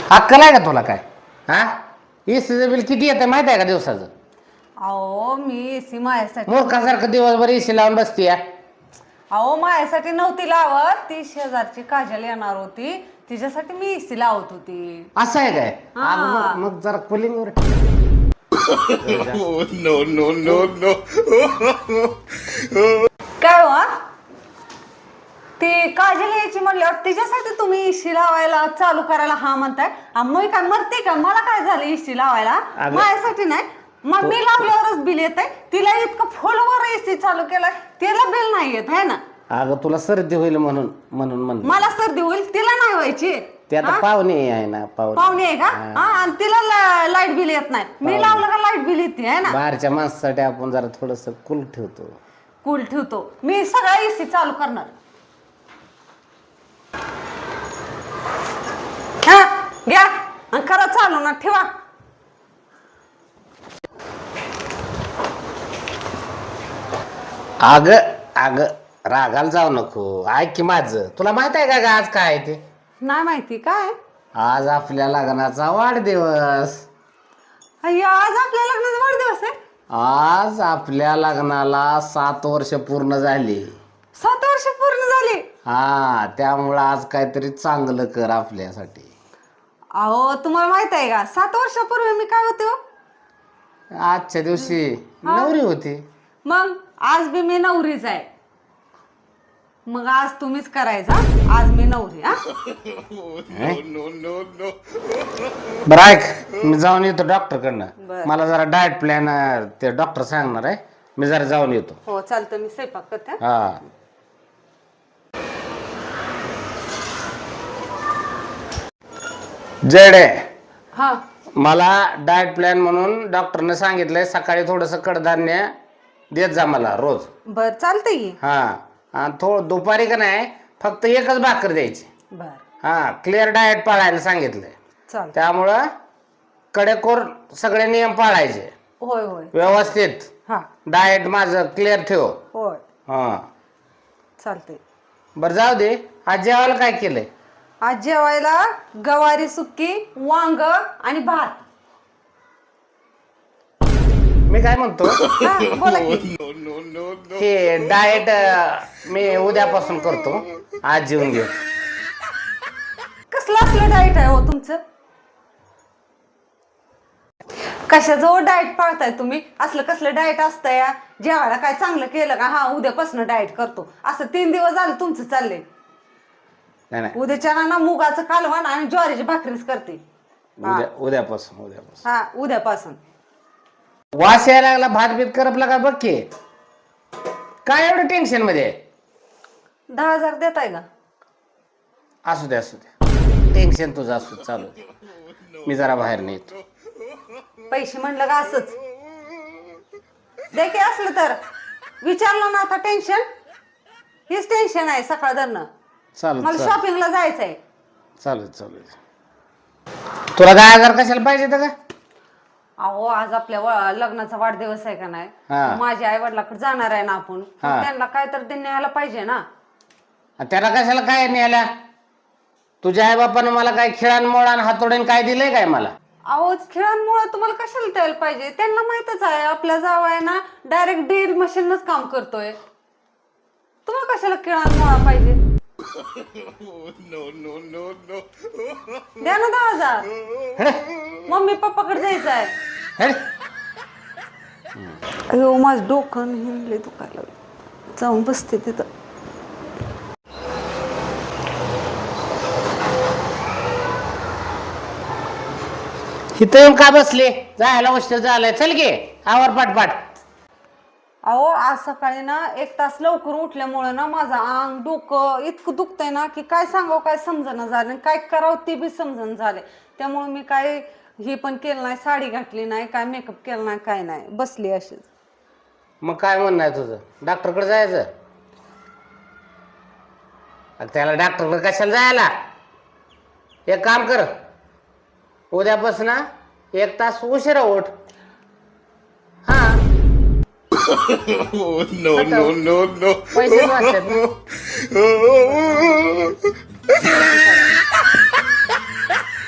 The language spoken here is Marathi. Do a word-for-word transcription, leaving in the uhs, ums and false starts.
अक्कल आहे का तुला काय? हा एसीचं बिल किती येतं माहिती आहे का दिवसाचं? अहो मी एसी माझ्यासाठी मूर्खासारखं दिवसभर एसी लावून बसती या. अहो माझ्यासाठी नव्हती लावत, ती शेजारची काजल येणार होती तिच्यासाठी मी एसी लावत होती. असं आहे काय? हा. अगं मग- मग जरा कुलिंगवर no, no, no, no. काय हो? ती काजल यायची म्हणल्यावर तिच्यासाठी तुम्ही एसी लावायला चालू करायला हा म्हणताय? आ, मी काय मरते का? मला काय झालं एसी लावायला? अगं- माझ्यासाठी नाही, मग मी लावल्यावरच बिल येत आहे. तिला इतकं फुलवर एसी चालू केलाय, तिला बिल नाही येत आहे ना. अगं तुला सर्दी होईल म्हणून म्हणून म्हणलं. मला सर्दी होईल, तिला नाही व्हायची. ते आता हा? पाहुणे आहे ना पाहुणे पाहुणे आहे का? हा, आणि तिला लाईट बिल येत नाही, मी लावलं का लाईट बिल येते आहे ना. बाहेरच्या माणसासाठी आपण जरा थोडस कुल ठेवतो. कूल ठेवतो मी, सगळा एसी चालू करणार. हा घ्या आणि करा चालू ना, ठेवा. अग अग रागाला जाऊ नको, ऐक की माझं. तुला माहित आहे का ग आज काय आहे ते? नाही माहिती काय? आज आपल्या लग्नाचा वाढदिवस. अय्या, आज आपल्या लग्नाचा वाढदिवस आहे. आज आपल्या लग्नाला सात वर्ष पूर्ण झाली. सात वर्ष पूर्ण झाली. हा त्यामुळं आज काहीतरी चांगलं कर आपल्यासाठी. अहो तुम्हाला माहित आहे का, सात वर्षापूर्वी मी काय होते हो? आजच्या दिवशी नवरी होती. मग आज बी मी नवरीच आहे. मग आज तुम्हीच करायचा, आज मी नवरी. हा No, no, no. बरं ऐक, मी जाऊन येतो डॉक्टर कडनं. बरं. मला जरा डाएट प्लॅन ते डॉक्टर सांगणार आहे, मी जरा जाऊन येतो. हो चालतं, मी स्वयंपाक करते. हा. हा जडे हा मला डाएट प्लॅन म्हणून डॉक्टरने सांगितलंय सकाळी थोडस कडधान्य देत जा मला रोज. बर चालतंय की. हा आणि थोडं दुपारी का नाही फक्त एकच भाकर द्यायची. बर हा क्लिअर डाएट पाळायला सांगितलंय. चालतं. त्यामुळं कडेकोर सगळे नियम पाळायचे होय होय. व्यवस्थित. हा डाएट माझं क्लिअर ठेव. होय हा चालतंय. बरं जाऊ दे, आज जेवायला काय केलंय? आज जेवायला गवारी सुक्की, वांग आणि भात. मी काय म्हणतो हा, बोला की. No, no, no, no. हे डाएट मी उद्यापासून करतो, आज जेवून घे. कसलं असलं डाएट आहे हो तुमचं? कशाचं डाएट पाळताय तुम्ही? असलं कसलं डाएट असतं या? जेवायला काय चांगलं केलं का हा उद्यापासून डाएट करतो, असं तीन दिवस झालं तुमचं चाललंय. नाही नाही उद्याच्या ना मुगाचं कालवण आणि ज्वारीची भाकरीच करते. उद्या उद्यापासून उद्यापासून हा उद्यापासून. वास यायला लागला, भात बीत करपला का बघ की. काय एवढं टेन्शन मध्ये आहे? दहा हजार देताय का? असू दे असू दे, टेन्शन तुझं असू दे, चालू दे. मी जरा बाहेर नाही येतो. पैसे म्हणलं का असंच दे की. असलं तर विचारलं ना, आता टेन्शन हेच टेन्शन आहे सकाळ धरणं. चालू मला चालू शॉपिंगला जायचंय. चालू चालू तुला दहा हजार कशाला पाहिजे का? अहो आज आपल्या व- लग्नाचा वाढदिवस आहे का नाही, हा. माझ्या आई वडिलाकडे जाणार आहे ना आपण, हा. मग त्यांना काय तर ते न्यायला पाहिजे ना. त्याला कशाला काय न्यायला? तुझ्या आई बापानं मला काय खेळान मोळान हातोड्यान काय दिलंय काय मला? अहो खेळांमुळे तुम्हाला कशाला द्यायला पाहिजे? त्यांना माहितच आहे आपल्या जावाय ना डायरेक्ट ड्रिल मशीनच काम करतोय. तुम्हाला कशाला खेळांमुळे पाहिजे? No, no, no, no. द्या ना दहा हजार. हेड, मम्मी पप्पाकडे जायचं आहे. हेड. अयो माझं डोकं हिंडले दुखायला लागलं. जाऊन बसते तिथं. इथं येऊन का बसले? जायला उशीर झालाय, चल गे आवर पाटपाट. अहो आज सकाळी ना एक तास लवकर उठल्यामुळे ना माझं अंग डोकं इतकं दुखतंय ना की काय सांगावं काय समजणं झालं, काय करावं ते बी समजणं झाले. त्यामुळे मी काय हे पण केलं नाही, साडी घातली नाही, काय मेकअप केला नाही, काय नाही, बसली अशीच. मग काय म्हणणं आहे तुझं? डॉक्टरकडे जायचं? अरे त्याला डॉक्टरकडे कशाला जायला? एक काम कर, उद्यापासून एक तास उशिरा उठ. हा Oh, no, no, no, no. पैसे वाचतात ना.